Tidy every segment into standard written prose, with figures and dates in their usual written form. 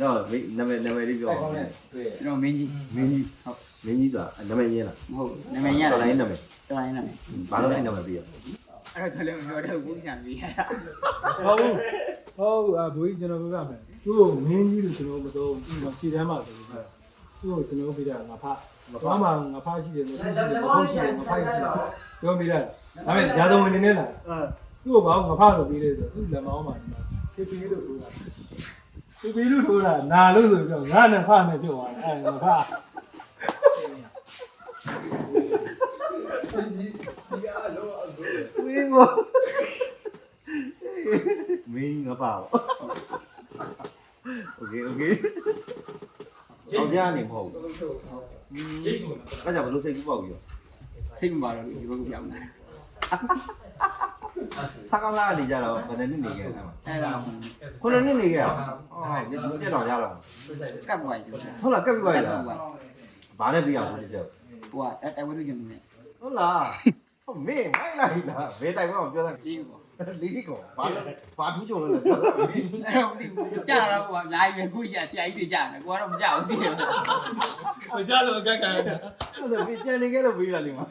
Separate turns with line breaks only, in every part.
တော့နာမည်လေးပြောအောင်
ကျွန်တော်မင်းကြီး
မင်းကြီးဆိုတာနာမည်ရင်းလား
မဟုတ်နာမည်ရတာ
တော်လိုင်းနာမည်ဘာလို့လဲနာမည်ပြီးရ
အဲ့တော့လည်းမပြောတော့ဘူးညာပြီးရတာ
ဟုတ်ဘိုးကြီးကျွန်တော်ပြောပြမယ်သူ့ကိုမင်းကြီးလို့ကျွန်တော်မသုံးဘူးခြေတန်းမှာဆိုပြီးသူ့ကိုကျွန်တော်ပြတာငါဖဘာမှငါဖရှိတယ်လို့ရှိတယ်ဘုန်းရှိတယ်ငါဖရှိတယ်ပြောပြတာဒါပေမဲ့ရာဇဝင်နေနေလားသူ့ကိုဘာငါဖလို့ပြီးလဲဆိုသူ့လက်မောင်းမှာဒီမှာဖြစ်ပြီးလို့ထိုးတာဖြစ်ပြီးလို့ထိုးတာနာလို့ဆိုပြီးတော့ငါနဲ့ဖနဲ့ပြုတ်သွားတယ်ငါဖ
ဝင်းဘောမင်းငါပါโอเคအောင်ကြနေမဟုတ်ဘူးအဲ့ကြောင့်ဘယ်လိုစိတ်ကူးပေါက်ပြီးတော့
စိတ်မပါတော့ဒီဘက်ကပြောင်းလာ
စားကောင်းလာနေကြတော့ဘယ်နှစ်နေခဲ့လဲ
အဲ့ဒါ
ခုနှစ်နှစ်နေခဲ့အောင်ဒီကျက်တော်ရတော့
ကပ်ပွားကြီး
ဟုတ်လားကပ်ပြီးပါလားဘာနဲ့ပြအောင်ဒီကျက်
ဟိုကအဲ့ဝိသုကျင်နေ
ဟုတ်လားဟုတ်မင်းမိုက်လိုက်လားဘယ်တိုင်မှမပြောသား
ပြီးပေါ့
လေးကောဘာထူးကြုံလို့လဲပြောသား
အဲ့တော့မသိဘူးကြာတော့ဟိုကလာပြီကိုရှာဆရာကြီးတွေကြာတယ်ကိုကတော့မကြောက်ဘူးသိတယ်
ဟိုကြလို့အကက်ခံရတယ်
ဟုတ်တယ်ပြီးကြံနေခဲ့လို့ပြီးလာလိမ့်မှာ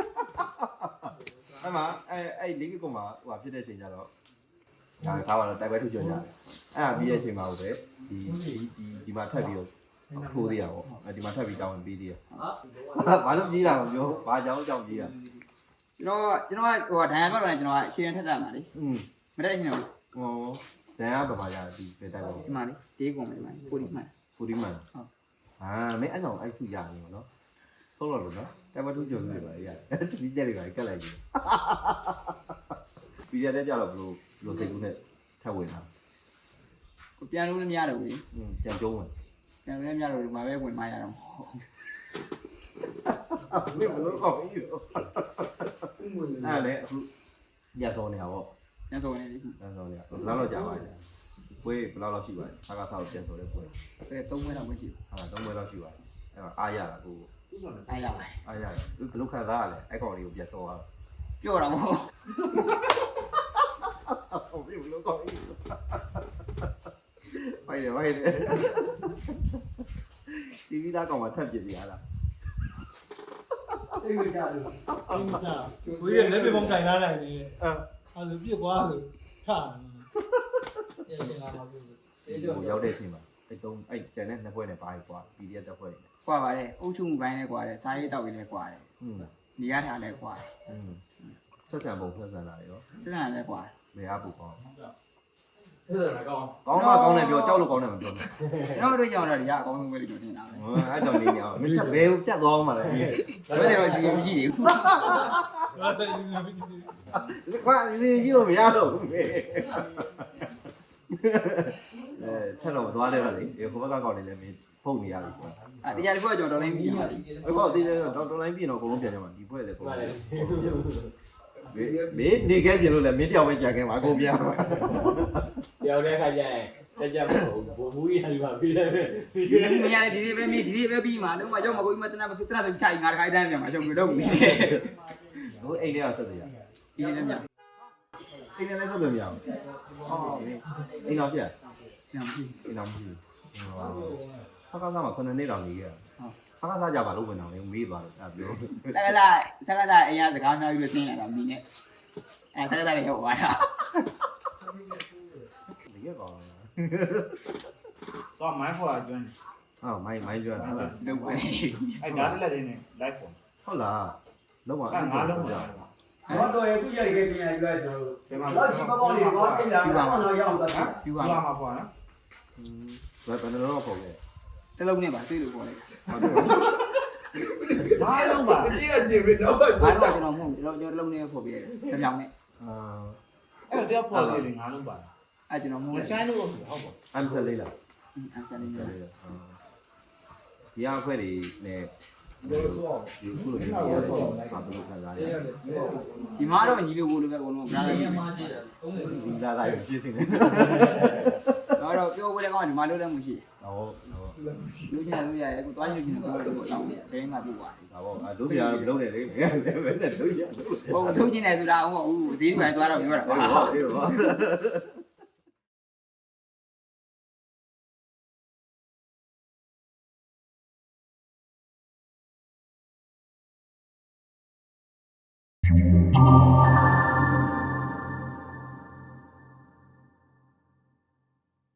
အဲ့မှာအဲ့လေးကောမှာဟိုဖြစ်တဲ့အချိန်ကျတော့ဒါခါပါတော့တိုက်ပွဲထူးကြကြတယ်အဲ့ဒါပြီးတဲ့အချိန်မှာဟုတ်ပဲဒီမှာထပ်ပြီးတော့ထိုးသေးရပေါ့ဒီမှာထပ်ပြီးတောင်းပြီးသေးရဘာလို့ကြီးတာမပြောဘာကြောင့်ကြောင့်ကြီးတာ
ကျွန်တော်ဟိုဒဏ်ရာပေါက်လာကျွန်တော်အရှင်ထက်တာမှာလေမတက်ရှင်ဘူး
ဟောဒဏ်ရာဘာရဒီပဲတိုက်ပါ
ဒီမှာလေတေးကုန်မယ်ဒီမှာပူဒီမှန်
ဟုတ်မင်းအဲ့ကောင်အဲ့သူရနေပါတော့ဟုတ်လားလို့နော်တိုက်ပွဲထူးကြနေပါရဒီတက်တွေကကတ်လိုက်ပြီပြီးရတဲ့ကြတော့ဘလို့စိတ်ကူးနဲ့ထပ်ဝင်တာ
ကိုပြန်လို့လည်းမရတော့ဘူး
ကြံကျုံးဝင်
ပြန်လို့လည်းမရတော့ဒီမှာပဲဝင်မရတော့
မင်းဘလို့ကောက်ပြီးတော့အဲ့လေအခုညစောနေတာပေါ့
ညစောနေပြီ
ညစောနေတာဘယ်လောက်ကြာပါလဲပွဲဘယ်လောက်ရှိပါလဲဆာကဆောက်ပြန်ဆိုတဲ့ပွဲ
3ပွဲလောက်မရှိဘူး
ဟာ3ပွဲလောက်ရှိပါတယ်အဲ့တော့အားရတာကို
အားရပါတယ်
အားရတယ်ဘယ်လိုခံစားရလဲအဲ့ကောင်လေးကိုပြန်စောသွား
ပြောတာမဟုတ်
ဟုတ်ပြီဘယ်လိုကောက်ပြီးဖိုက်တယ်တီဗီသားကောင်မှထပ်ပြစ်စီရလား
စိတ်ဝင်ကြတယ်ဘိုးကြီးလက်ပြပုံကင်လာနိုင်တယ်အဲ့လိုပြစ်သွားဆိုထတယ်ရှင်းလာပါဘူး
ရောက်တဲ့အချိန်မှာအဲ့ကျန်တဲ့နှစ်ပွဲနဲ့ပါကွာ PDF တက်ပွဲတွေ
ကွာပါတယ်အုပ်ချုပ်မှုပိုင်းလည်းကွာတယ်စားရေးတောက်ရေးလည်းကွာတယ်နေရထားလည်းကွာတယ်
ဆက်ဆံပုံဆက်ဆံလာရော
ဆက်ဆံလည်းကွာ
မရဘူးကောင်း
ဆက်ဆံကောင်း
ကောင်းတယ်ပြောကြောက်လို့ကောင်းတယ်မပြောဘူး
ကျွန်တော်တို့ကြောက်တော့ဒီကအကောင်းဆုံးပဲလို့ပြောနေတာပဲ
အဲ့ကြောင့်နေနေအောင်မင်းဘယ်ကိုပြတ်သွားမှာလဲ
ဘယ်တော့ရှိမရှိသေးဘူး
ကွာနေကြီးလို့မရတော့ဘူးမေဆက်တော့သွားတယ်တော့လေဟိုဘက်ကကောက်နေလဲမင်းဖုတ်နေရပြီ
ဆိုတာတရားတစ်ခုကကျွန်တော်တော်လိုင်းပြင်ပါလိမ့်
အခုဒီတော်လိုင်းပြင်တော့အကုန်လုံးပြန်ကြမှာဒီဘွဲလေအကုန်လုံးမင်းနေခဲ့ကြလို့လဲမင်းတယောက်ပဲကြာခဲ့မှာအကုန်ပြန်မှာ
တယောက်တည်းခါကျရင်တက်ကြမဟုတ်ဘူးဘိုးကြီးကဒီမှာပြီးတယ်
မရဒီလေးပဲမင်းဒီလေးပဲပြီးမှာလုံးဝကြောက်မကိုကြီးမတနာမဆိုတနာဆိုချိုင်ငါတခါတန်းပြန်မှာရှုံပြတော့ဘူး
ဟိုအိမ်ထဲကဆက်စရာ
ဒီလေးလည်းမရ
အိမ်ထဲလည်းဆက်လို့မရဘူးအိမ်တော်ပြ
ညမရှိ
အိမ်တော်မရှိဖကားစားမှာ9နှစ်တောင်နေခဲ့ဖကားစားကြပါလို့ဝင်အောင်လေမေးသွားတယ်အဲ့ပြော
စကားသားအိမ်ကစကားများပြီးလို့ဆင်းလာတာမင်းနဲ့အဲ့စကားသားလည်းရောက်သွားတာ
ဒီရကောင်
တော့မိုင်းပေါ်ကျွန်း
ဟုတ်မိုင်းကျွန်း
လုပ်ပဲ
အဲ့ဒါလည်းလည်းနေလိုက်ပေါ်
ဟုတ်လားလုံးဝ
အဲ့ငါလုံးပါတော့ရသူရခဲ့ပြန်ယူလိုက်ကျွန်တော်ဒီမှာတော့ကြီးပေါင်းနေတော့ပြန်လာတော့ရအောင်တော့
ယူပါ
မှာပေါ့နော်
ဘယ်နှလုံးပေါ့လဲ
တလုံးနဲ့ပါတွေ့လို့ပေါ့လေ
ဘာလုံးပါအကြီးကနေပြီတော့
ဘာတော့ကျွန်တော်မဟုတ်ကျွန်တော်လုံးနဲ့ဖို့ပြတယ်တစ်ပြောင်နဲ့
အဲ့တော့ပေါ်တယ်ငါလုံးပါ
အဲ့ကျွန်တော်မဟုတ်
ချိုင်းလို့ဟုတ်ပါ
အမ်ဆယ်လေးလား
အမ်ဆယ်လေး
ဒီအခွဲတွေနဲ့ဒီခုလိုမျိုးရတယ်ဘာလို့ခံစားရလဲ
ဒီမှာတော့ညီလိုဘို့လိုပဲအကုန်လုံးဘရာသာကြီး
ဒီလာလာရေးပြည့်စင်နေ
တော့ပြောဝဲလည်းကောင်းဒီမှာလို့လည်းမရှိ
ဟုတ်
လူချင်းလူရရဲ့အခုသွားချင်းလူချင်းပြောလို့တော့ဘယ်ငါပြသွား
တယ်ဒါပေါ့လူပြားလုံးတယ်လေဘယ်နဲ့လူချင်း
ဟုတ်လူချင်းတယ်ဆိုတာဟုတ်ဈေးပိုင်းသွားတော့ပြောတာပါ
ဟုတ်